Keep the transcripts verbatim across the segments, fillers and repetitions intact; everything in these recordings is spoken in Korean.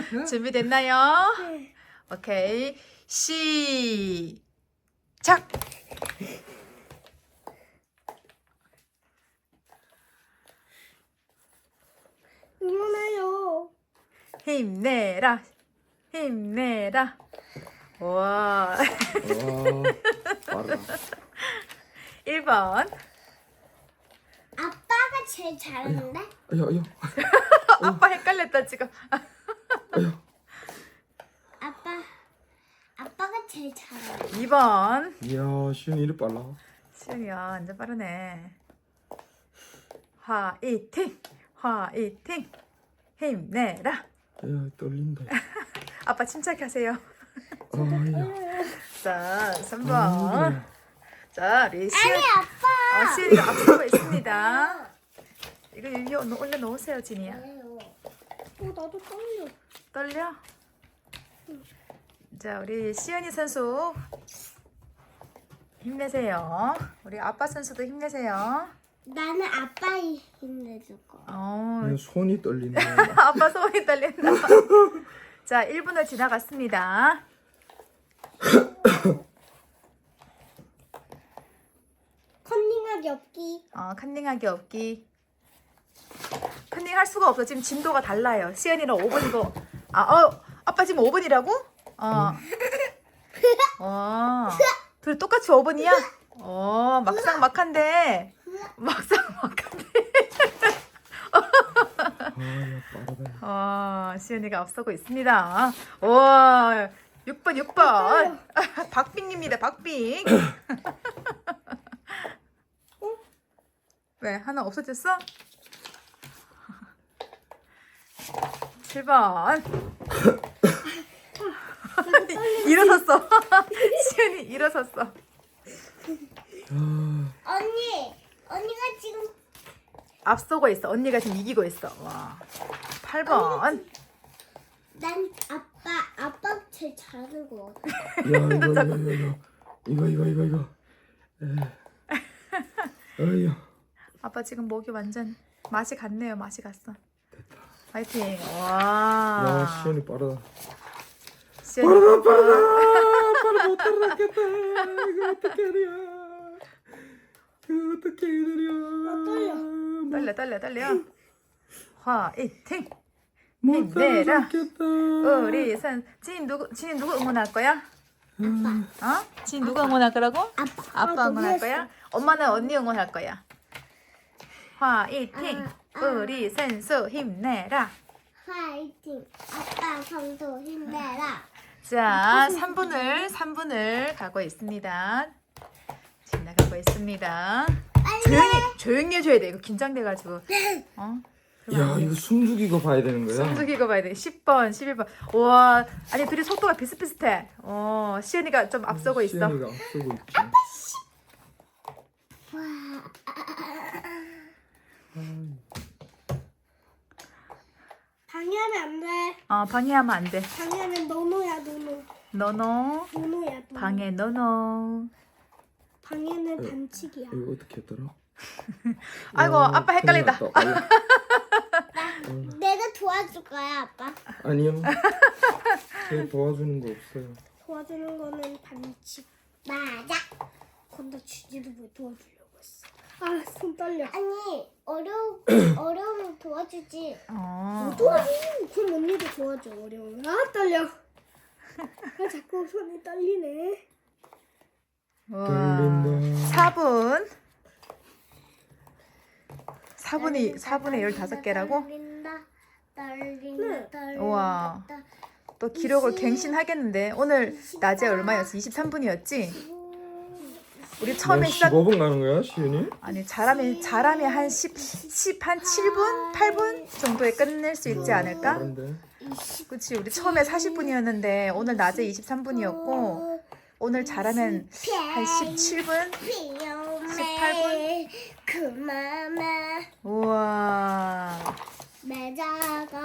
준비됐나요? 네. 오케이. 시작! 응원해요. 힘내라. 힘내라. 와. 와, 빠르다. 일 번. 아빠가 제일 잘하는데? 아야, 아야, 아빠 헷갈렸다 지금. 아야. 아빠, 아빠가 제일 잘하는데? 이 번. 이야, 시윤이 이리 빨라. 시윤이야 완전 빠르네. 화이팅! 화이팅! 힘내라. 야, 떨린다. 아빠 침착하세요. 아야. 자, 삼 아, 번. 그래. 자, 우리 시윤. 아니, 아빠! 어, 시윤이가 앞서고 있습니다. 이거 여기 올려 놓으세요, 진이야. 왜요? 어, 나도 떨려. 떨려? 자, 우리 시연이 선수 힘내세요. 우리 아빠 선수도 힘내세요. 나는 아빠 힘내줄 거야. 어, 야, 손이 떨리네. 아빠 손이 떨린다. 자, 일 분을 지나갔습니다. 컨닝하기 없기. 어, 컨닝하기 없기. 컨닝 할 수가 없어. 지금 진도가 달라요. 시연이는 오 분이고. 아, 어, 아빠 지금 오 분이라고? 어. 어. 둘 똑같이 오 분이야? 어, 막상 막한데. 막상 막한데. 아야, 빠르다. 어, 시연이가 앞서고 있습니다. 와, 육 번, 육 번. 박빙입니다, 박빙. 왜, 하나 없어졌어? 칠 번. 일어섰어. 시연이 일어섰어. 아, 언니! 언니가 지금 앞서고 있어. 언니가 지금 이기고 있어. 와. 팔 번. 난 아빠, 아빠 제일 잘하는 거 같아. 야, 이거, 이거, 이거, 이거, 이거, 이거, 이거. 에. 아야. 아빠 지금 목이 완전 맛이 갔네요. 맛이 갔어. 파이팅. 와. 야, 시윤이 빠르다. 시연이 빠르다, 빠르다. 빠르다, 못 따라잡겠다. 이거 어떻게 하냐. 이거 어떻게 해야 떨려. 떨려 떨려 떨려. 화이팅. 못 힘내라. 따라잡겠다. 우리 선 진 누구 진 누구 응원할 거야? 아빠. 어? 진 누가 응원할 거라고? 아빠. 아빠 아, 응원할 너무 거야? 엄마는 언니 응원할 거야. 화이팅. 아, 아. 우리 선수 힘내라. 화이팅! 아빠 성도 힘내라. 자, 삼 분을 삼 분을 가고 있습니다. 지나가고 있습니다. 조용히 조용히 해줘야 돼. 이거 긴장돼가지고. 어? 야, 이거 숨죽이고 봐야 되는 거야? 숨죽이고 봐야 돼. 십 번, 십일 번. 와, 아니 둘이 속도가 비슷비슷해. 어, 시연이가 좀 앞서고 있어. 시연이가 앞서고 있지. 와. 방해하면 안 돼. 어, 방해하면 안 돼. 방해하면 노노야 노노. 너너 노노야 노노. 방해 너너. 방해는 반칙이야. 이거 어떻게 했더라? 아이고, 야, 아빠 헷갈린다. 큰일 났다. 나, 내가 도와줄 거야 아빠. 아니요. 제가 도와주는 거 없어요. 도와주는 거는 반칙. 맞아. 건너 주지도 못 도와주려고 했어. 아, 손 떨려. 아니, 어려 어려우면 도와주지. 어. 도와줘. 그럼 언니도 도와줘. 어려우면. 아, 떨려. 아, 자꾸 손이 떨리네. 와. 떨린다. 사 분. 사 분이 사 분의 열다섯 개라고? 떨린다. 떨린다. 네. 떨린다. 우와. 또 기록을 갱신하겠는데. 오늘 낮에 얼마였어? 이십삼 분이었지? 우리 처음에 시작 십오 분 가는 거야, 시윤이? 아니 잘하면 잘하면 한 십, 십 한 칠 분, 팔 분 정도에 끝낼 수 있지 않을까? 빠른데. 그치 우리 처음에 사십 분이었는데 오늘 낮에 이십삼 분이었고 오늘 잘하면 한 십칠 분, 십팔 분. 그만해. 우와. 매자가.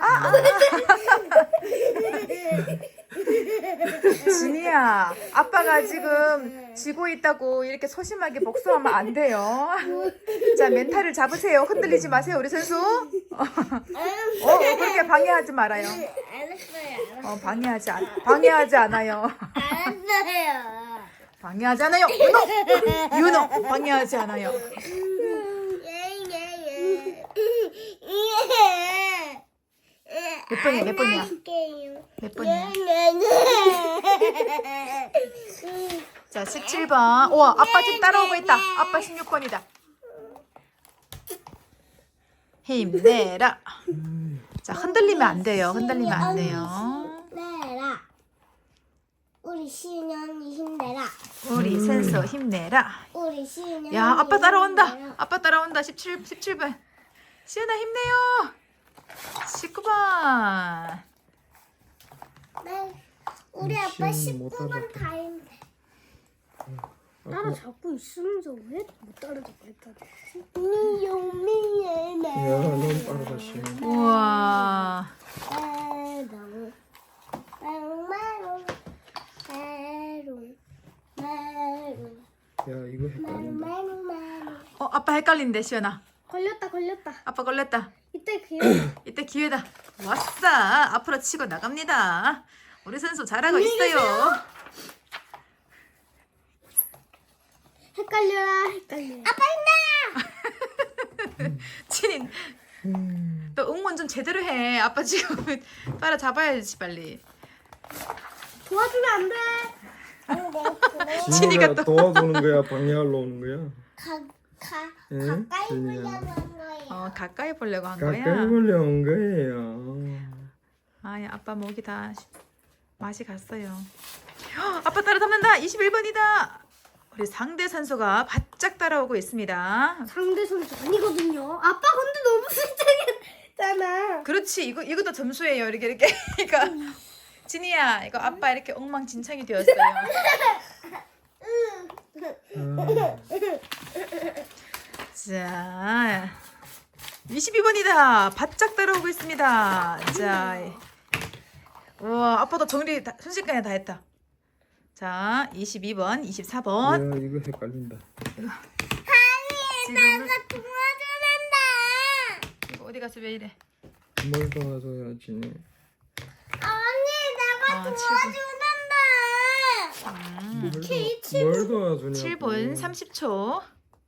진이야, 아빠가 지금 지고 있다고 이렇게 소심하게 복수하면 안 돼요. 자, 멘탈을 잡으세요. 흔들리지 마세요, 우리 선수. 어, 어, 그렇게 방해하지 말아요. 알았어요. 어, 방해하지 않, 방해하지 않아요. 알았어요. 방해하지 않아요. 윤호, 윤호, 방해하지 않아요. 몇 번이야, 몇 번이야? 몇 번이야? 자, 십칠 번. 우와, 아빠 지금 따라오고 있다. 아빠 십육 번이다. 힘내라. 자, 흔들리면 안 돼요. 흔들리면 안 돼요. 힘내라. 우리 시은이 힘내라. 우리 선수 힘내라. 우리 시은이. 야, 아빠 따라온다. 아빠 따라온다. 십칠, 십칠 번. 시은아 힘내요. 십구 번. 네. 우리 아빠 십구 번 다 힘내. 따라잡고 있으면서 왜 못 따라잡고 했다. 미용미네. 야, 너무 빠르다, 씨. 우와. 메롱 메롱 메롱 메롱 야, 이거 헷갈린다. 메롱 메롱. 어, 아빠 헷갈린대, 시연아. 걸렸다 걸렸다. 아빠 걸렸다. 이때 기회. 이때 기회다. 왔어. 앞으로 치고 나갑니다. 우리 선수 잘하고 있어요. 헷갈려라 헷갈려. 아빠 힘내. 친인, 너 응원 좀 제대로 해. 아빠 지금 따라잡아야지 빨리. 도와주면 안 돼. 진이가 진이가 또- 도와주는 거야, 방해하러 오는 거야? 가가 응? 가까이 진이야. 보려고 한 거예요. 어, 가까이 보려고 한 가까이 거야. 보려 온 거예요. 아니, 아빠 목이 다 맛이 갔어요. 헉, 아빠 따라잡는다. 이십일 번이다. 우리 상대 선수가 바짝 따라오고 있습니다. 상대 선수 아니거든요. 아빠 근데 너무 실책했잖아. 그렇지. 이거 이것도 점수예요. 이렇게 이렇게. 이거 진이야. 이거 아빠 이렇게 엉망진창이 되었어요. 아, 자, 이십이 번이다. 바짝 따라오고 있습니다. 자, 우와, 아빠도 정리 다, 순식간에 다 했다. 자, 이십이 번, 이십사 번. 야, 이거 헷갈린다. 지금 도와줘란다. 이거 어디 가서 왜 이래? 뭘 도와줘야지. 언니 내가 아, 도와줘란다. 음, 뭘, 도, 뭘 도와주냐고. 칠 분 삼십 초.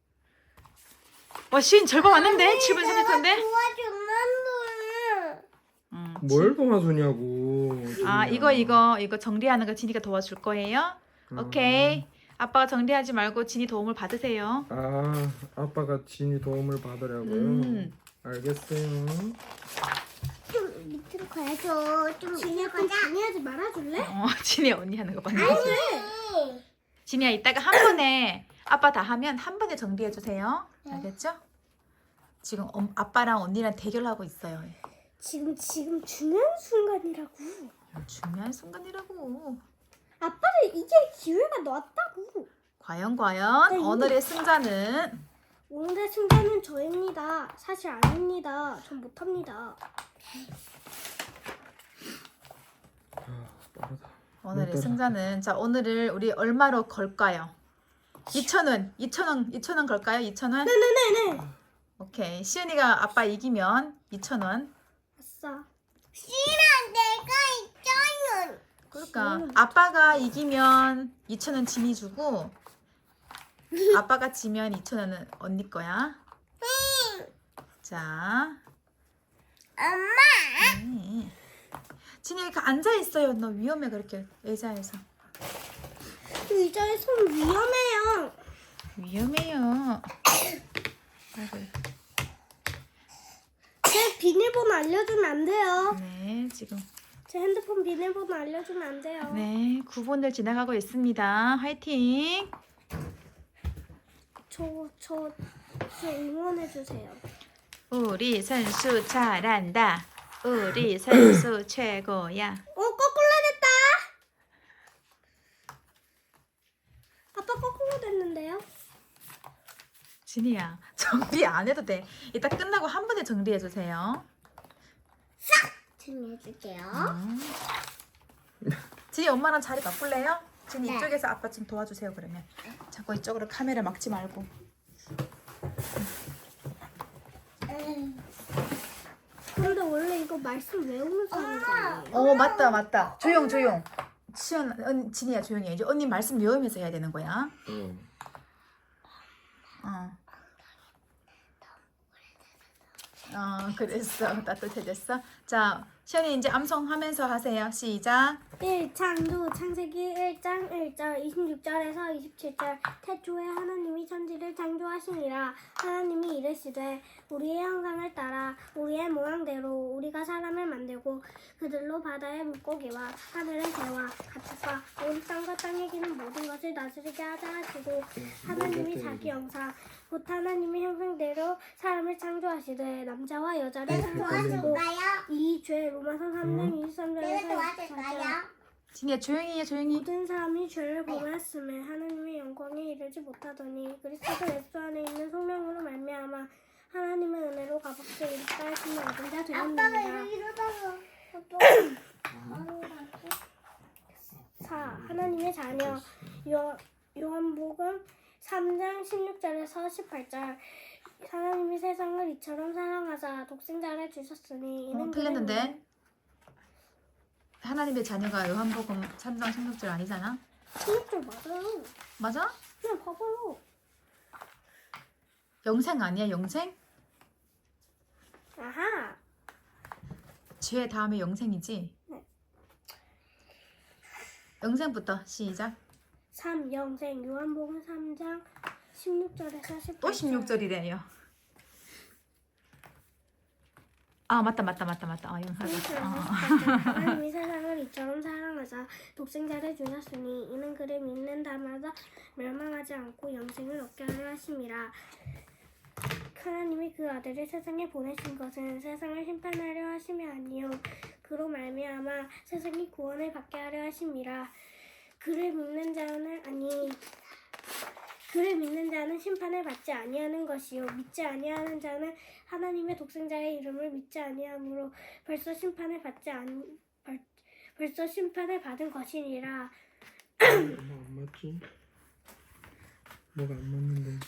와, 시인 절반 왔는데? 칠 분 삼십 초인데? 도와줘란다. 음, 뭘 도와주냐고. 아, 진이야. 이거 이거 이거 정리하는 거 진이가 도와줄 거예요? 오케이. 아빠가 정리하지 말고 진이 도움을 받으세요. 아, 아빠가 진이 도움을 받으라고요? 음. 알겠어요. 좀 밑으로 가야죠. 좀 진이야 좀 방해하지 말아줄래? 어, 진이 언니 하는 거 봤네. 아니. 진이야, 이따가 한 번에 아빠 다 하면 한 번에 정리해 주세요. 알겠죠? 지금 엄, 아빠랑 언니랑 대결하고 있어요. 지금 지금 중요한 순간이라고. 중요한 순간이라고. 아빠를 이제 기회가 나왔다고. 과연 과연 네, 이거- 오늘의 승자는 오늘의 승자는 저입니다. 사실 아닙니다. 전 못합니다. 아, 빠르다. 오늘의 어떠나? 승자는 자, 오늘을 우리 얼마로 걸까요? 이천 원. 이천 원. 이천 원 걸까요? 이천 원? 네네네네. 오케이. 시은이가 아빠 이기면 이천 원. 아싸. 씨랑 내가 있잖아. 그러니까 음. 아빠가 이기면 이천 원 진이 주고 아빠가 지면 이천 원은 언니 거야. 자, 엄마. 네. 진이 이렇게 앉아 있어요. 너 위험해 그렇게 의자에서. 의자에 손 위험해요. 위험해요. 아이고. 제 비밀번호 알려주면 안 돼요. 네, 지금 제 핸드폰 비밀번호 알려주면 안 돼요. 네, 구 분을 지나가고 있습니다. 화이팅! 저, 저, 저 응원해주세요. 우리 선수 잘한다. 우리 선수 최고야. 어, 거꾸로 됐다. 아빠 거꾸로 됐는데요? 진이야, 정리 안 해도 돼. 이따 끝나고 한 번에 정리해 주세요. 정리해줄게요. 진이 엄마랑 자리 바꿀래요? 진이 네. 이쪽에서 아빠 좀 도와주세요 그러면. 자꾸 이쪽으로 카메라 막지 말고. 음. 이거 말씀 외우는 사람이잖아요. 어 맞다 맞다. 조용 조용. 치연 언 진이야 조용히 해. 이제 언니 말씀 외우면서 해야 되는 거야. 어. 어. 어 그랬어. 따뜻해졌어. 자 시연이 이제 암송하면서 하세요. 시작. 일 창조 창세기 일 장 일 절 이십육 절에서 이십칠 절 태초에 하나님이 천지를 창조하시니라. 하나님이 이르시되 우리의 형상을 따라 우리의 모양대로 우리가 사람을 만들고 그들로 바다의 물고기와 하늘의 새와 가축과 온 땅과 땅에 기는 모든 것을 다스리게 하자 하시고 하나님이 자기 형상 곧 하나님의 형상대로 사람을 창조하시되 남자와 여자를 창조하시고 이 죄 로마서 삼 장 이십삼 절에서 진이야 조용히 해 조용히. 모든 사람이 죄를 범하였음에 하나님의 영광에 이르지 못하더니 그리스도 예수 안에 있는 성령으로 말미암아 하나님의 은혜로 값없이 이르다 하심을 얻은 자 되었느니라. 사. 하나님의 자녀 요, 요한복음 삼 장 십육 절에서 십팔 절 하나님이 세상을 이처럼 사랑하사 독생자를 주셨으니 이는 어 틀렸는데. 하나님의 자녀가 요한복음 삼 장 십육 절 아니잖아? 십육 절 맞아요. 맞아? 그냥 봐봐요. 영생 아니야 영생? 아하. 죄 다음에 영생이지? 네. 영생부터 시작. 삼. 영생 요한복음 삼 장 십육 절에서 십팔 절 또 십육 절이래요. 아 맞다 맞다 맞다 맞다. 아 영생. 어. 하나님이 세상을 이처럼 사랑하사 독생자를 주셨으니 이는 그를 믿는 자마다 멸망하지 않고 영생을 얻게 하려 하심이라. 하나님이 그 아들을 세상에 보내신 것은 세상을 심판하려 하심이 아니요 그로 말미암아 세상이 구원을 받게 하려 하심이라. 그를 믿는 자는 아니 그를 믿는 자는 심판을 받지 아니하는 것이요 믿지 아니하는 자는 하나님의 독생자의 이름을 믿지 아니하므로 벌써 심판을 받지 않 벌, 벌써 심판을 받은 것이니라. 뭐가 안 맞지? 뭐가 안 맞는데?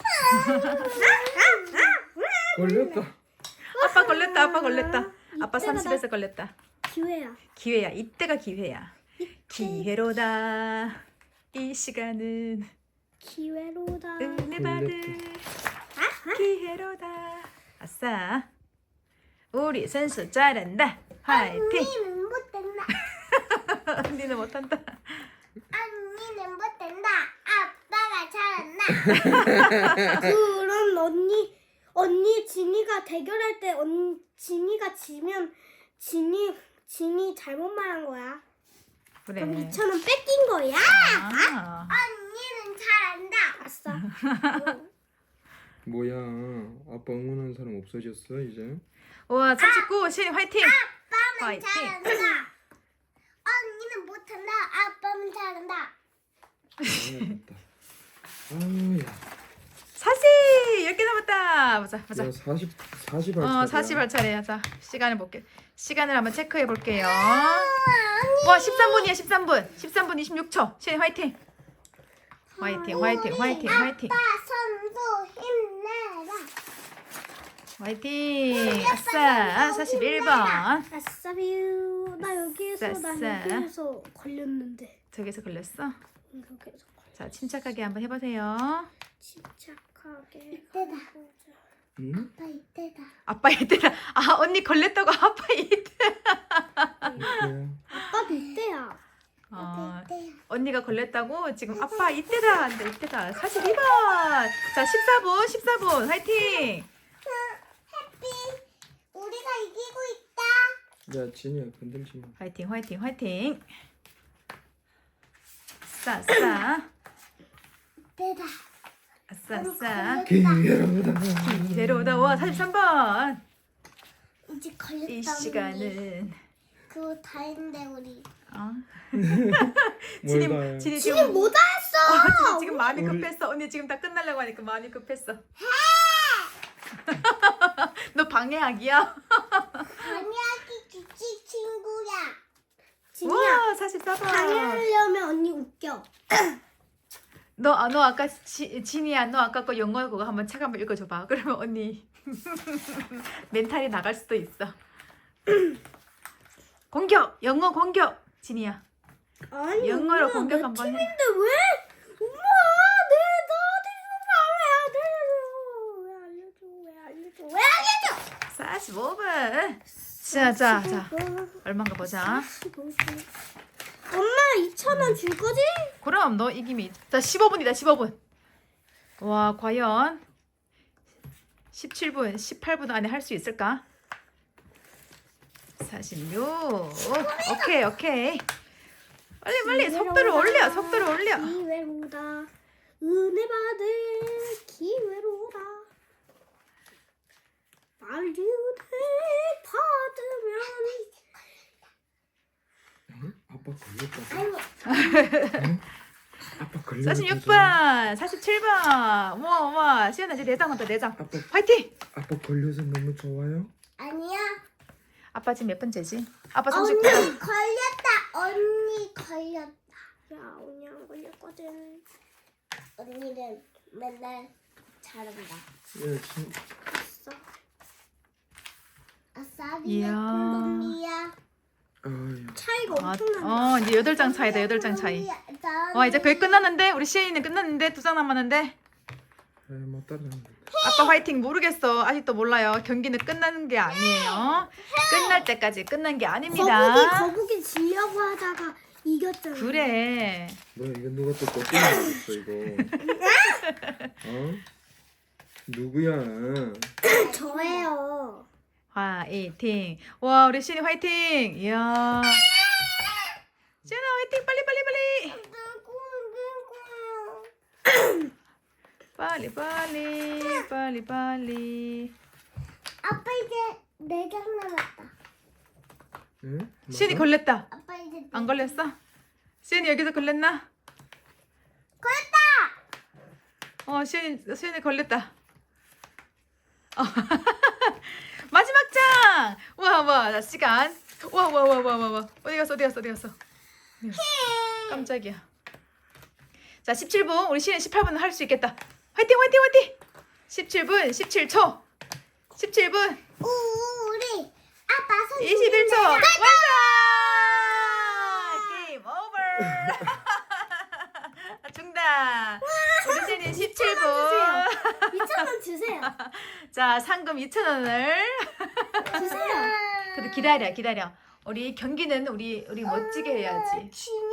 걸렸다. 아빠 걸렸다 아빠 걸렸다. 아빠 이때가 삼십에서 걸렸다. 기회야. 기회야 이때가 기회야. 기회로다 이 시간은 기회로다. 은혜 받을 기회로다. 아싸 우리 선수 잘한다. 화이팅. 언니는 못된다. 언니는 못한다. 언니는 못된다. 아빠가 잘한다. 그럼 언니 언니 진이가 대결할 때 언, 진이가 지면 진이 진이 잘못 말한 거야. 그래. 그럼 이천 원 뺏긴 거야. 아. 언니는 잘한다. 아싸. 뭐야? 아빠 응원하는 사람 없어졌어 이제? 와 삼십구 신 화이팅. 아빠는 화이팅. 잘한다. 언니는 못한다. 아빠는 잘한다. 아, 아야. 사십 열 개 남았다. 보자 보자. 야 사십 사십 할 어 차례야. 사십 할 차례야. 자 시간을 볼게. 시간을 한번 체크해 볼게요. 와 십삼 분이야 십삼 분. 십삼 분 이십육 초. 신 화이팅. 화이팅 화이팅 화이팅 화이팅 아빠 선수 힘내라. 화이팅. 아싸 사십일 번. 아싸 뷰. 나 여기에서 나 아싸. 여기에서 걸렸는데. 저기서 걸렸어. 여기에서 걸렸어. 자 침착하게 한번 해보세요. 침착하게. 이때다. 응? 아빠 이때다. 아빠 이때다. 아 언니 걸렸다고 아빠 이때. 뭐야? 아빠도 이때야. 어, 이때야. 언니가 걸렸다고 지금 아빠 이때다 한데 이때다. 사십이 번. 자 십사 분 십사 분 화이팅. 해피. 우리가 이기고 있다. 야 진이야 건들지 마. 화이팅 화이팅 화이팅. 싸 싸. 이때다. 아싸 싸. 기회로다. 기회로다. 와 사십삼 번. 이제 걸렸다. 이 시간은 그거 다 했는데 우리. 어? 뭘 진이 다 해. 진이 지금 지금 못 어, 했어. 진이 지금 마음이 우리- 급했어. 언니 지금 다 끝나려고 하니까 마음이 급했어. 너 방해하기야? 방해하기 규칙 친구야. 진이야. 와 사십사 번. 방해하려면 언니 웃겨. 너, 아, 너 아까 지, 진이야 너 아까 거 영어 그거 한번 책 한번 읽어줘봐. 그러면 언니 멘탈이 나갈 수도 있어. 공격! 영어 공격! 진이야. 아니 영어로 엄마, 공격 내 한번 해. 팀인데 왜? 엄마 내 나한테 좀 왜 알려줘? 왜 알려줘? 왜 알려줘? 사십오 분. 자, 자, 자. 얼마인가 보자. 엄마 이천 원 줄 거지? 그럼 너 이김이. 자, 십오 분이다. 십오 분. 와, 과연 십칠 분, 십팔 분 안에 할 수 있을까? 사십육. 오케이, 오케이. 빨리 빨리 속도를 올려. 속도를 올려. 기회로다. 은혜 받을 기회로다. 말을 받으면 응? 아빠 걸렸다고? 아이고 응? 아빠 걸렸다고? 사십육 번, 사십칠 번. 우와, 우와. 시연아 이제 내장 온다. 내장. 아빠 화이팅! 아빠 걸려서 너무 좋아요? 아니야. 아빠 지금 몇 번째지? 아빠 언니 삼십 분. 걸렸다. 언니 걸렸다. 야 언니 안 걸렸거든. 언니는 맨날 잘한다. 예, 진... 아싸. 아싸 이야. 콜롬비아. 아유. 차이가 아, 엄청난다. 어, 이제 여덟 장 차이다. 여덟 장 차이. 와, 이제 거의 끝났는데? 우리 시연이는 끝났는데? 두 장 남았는데? 에, 못 따라하는데. 아빠 화이팅. 모르겠어. 아직도 몰라요. 경기는 끝나는 게 아니에요. 끝날 때까지 끝난 게 아닙니다. 거북이 거북이 지려고 하다가 이겼잖아. 그래. 뭐야 이거 누가 또 꼬꾸리 먹었어 이거? 어? 누구야? 저예요. 화이팅. 와, 우리 시연이 화이팅. 이야. 시연아 화이팅. 빨리 빨리 빨리. 빨리 빨리 빨리 빨리. 아빠 이제 네 장 남았다. 응? 시연이 뭐가? 걸렸다. 아빠 이제 네 안 걸렸어? 시연이 여기서 걸렸나? 걸렸다. 어, 시연이 시연이 걸렸다. 어. 마지막 장. 와, 와, 나 시간. 와, 와, 와, 와, 와, 와. 어디 갔어? 어디 갔어? 어디 갔어? 어디 갔어? 깜짝이야. 자, 십칠 분. 우리 시연 십팔 분 할 수 있겠다. 화이팅, 화이팅, 화이팅. 십칠 분, 십칠 초. 십칠 분, 우 우리 아빠 손. 이십일 초. 완성! 게임 오버. 정답. 우리 시연이 십칠 분. 이천 원 주세요. 자, 상금 이천 원을. 주세요. 근데 기다려, 기다려. 우리 경기는 우리 우리 멋지게 해야지.